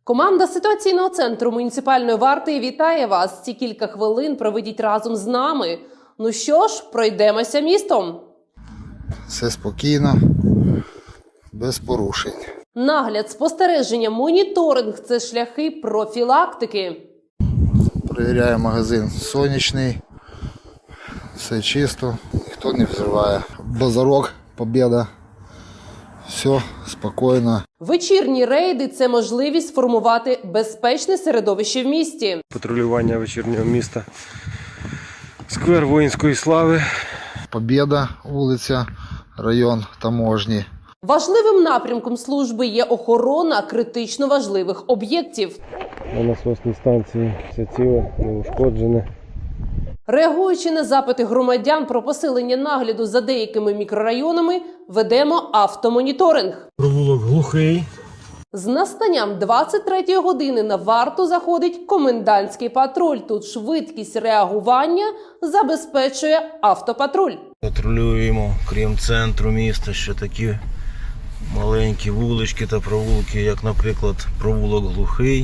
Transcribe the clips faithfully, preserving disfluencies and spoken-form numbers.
Команда ситуаційного центру муніципальної варти вітає вас. Ці кілька хвилин проведіть разом з нами. Ну що ж, пройдемося містом. Все спокійно, без порушень. Нагляд, спостереження, моніторинг – це шляхи профілактики. Перевіряю магазин сонячний, все чисто, ніхто не взриває. Базарок, Побєда, все спокійно. Вечірні рейди – це можливість формувати безпечне середовище в місті. Патрулювання вечірнього міста, сквер воїнської слави. Побєда, вулиця, район Таможні. Важливим напрямком служби є охорона критично важливих об'єктів. На насосній станції все ціле, неушкоджене. Реагуючи на запити громадян про посилення нагляду за деякими мікрорайонами, ведемо автомоніторинг. Провулок Глухий. З настанням двадцять третьої години на варту заходить комендантський патруль. Тут швидкість реагування забезпечує автопатруль. Патрулюємо, крім центру міста, ще такі маленькі вулички та провулки, як, наприклад, провулок Глухий.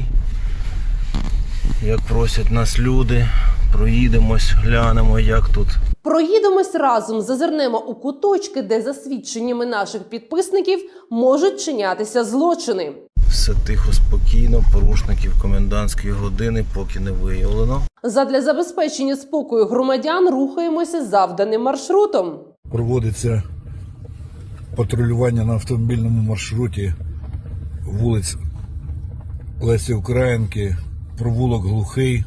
Як просять нас люди, проїдемось, глянемо, як тут. Проїдемось разом, зазирнемо у куточки, де за свідченнями наших підписників можуть чинятися злочини. Все тихо, спокійно, порушників комендантської години поки не виявлено. Задля забезпечення спокою громадян рухаємося завданим маршрутом. Проводиться патрулювання на автомобільному маршруті вулиць Лесі Українки, провулок Глухий,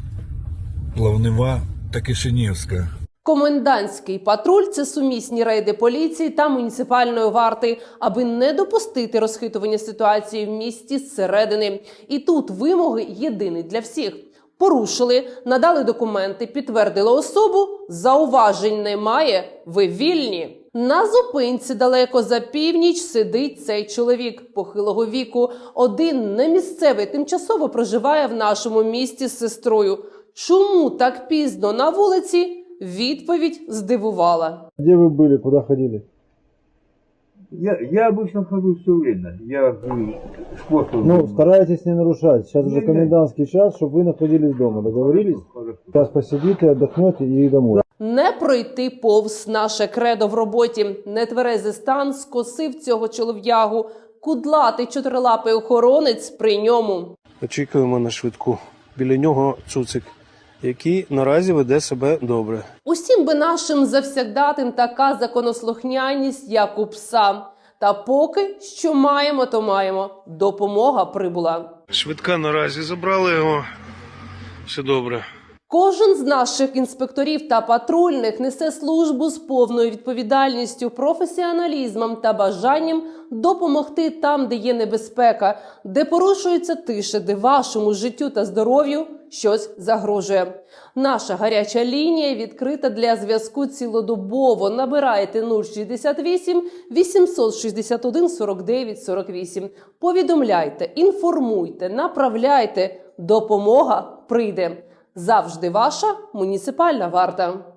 Плавнева та Кишинівська. Комендантський патруль – це сумісні рейди поліції та муніципальної варти, аби не допустити розхитування ситуації в місті зсередини. І тут вимоги єдині для всіх. Порушили, надали документи, підтвердили особу, зауважень немає, ви вільні. На зупинці далеко за північ сидить цей чоловік похилого віку. Один немісцевий тимчасово проживає в нашому місті з сестрою. Чому так пізно на вулиці? Відповідь здивувала. Где вы были, куда ходили? Я, я обычно хожу все время. Я хожу спортом. Ну, старайтесь не нарушать. Сейчас Не, уже не. комендантский час, чтобы вы находились дома. Договорились? Хорошо. Сейчас посидите, отдохнете и домой. Не пройти повз наше кредо в роботі. Нетверезий стан скосив цього чолов'ягу. Кудлатий чотирилапий охоронець при ньому. Очікуємо на швидку. Біля нього цуцик, який наразі веде себе добре. Усім би нашим завсягдатим така законослухняність, як у пса. Та поки що маємо, то маємо. Допомога прибула. Швидка наразі забрали його. Все добре. Кожен з наших інспекторів та патрульних несе службу з повною відповідальністю, професіоналізмом та бажанням допомогти там, де є небезпека, де порушується тиша, де вашому життю та здоров'ю щось загрожує. Наша гаряча лінія відкрита для зв'язку цілодобово. Набирайте нуль шістдесят вісім вісімсот шістдесят один сорок дев'ять сорок вісім. Повідомляйте, інформуйте, направляйте. Допомога прийде. Завжди ваша муніципальна варта.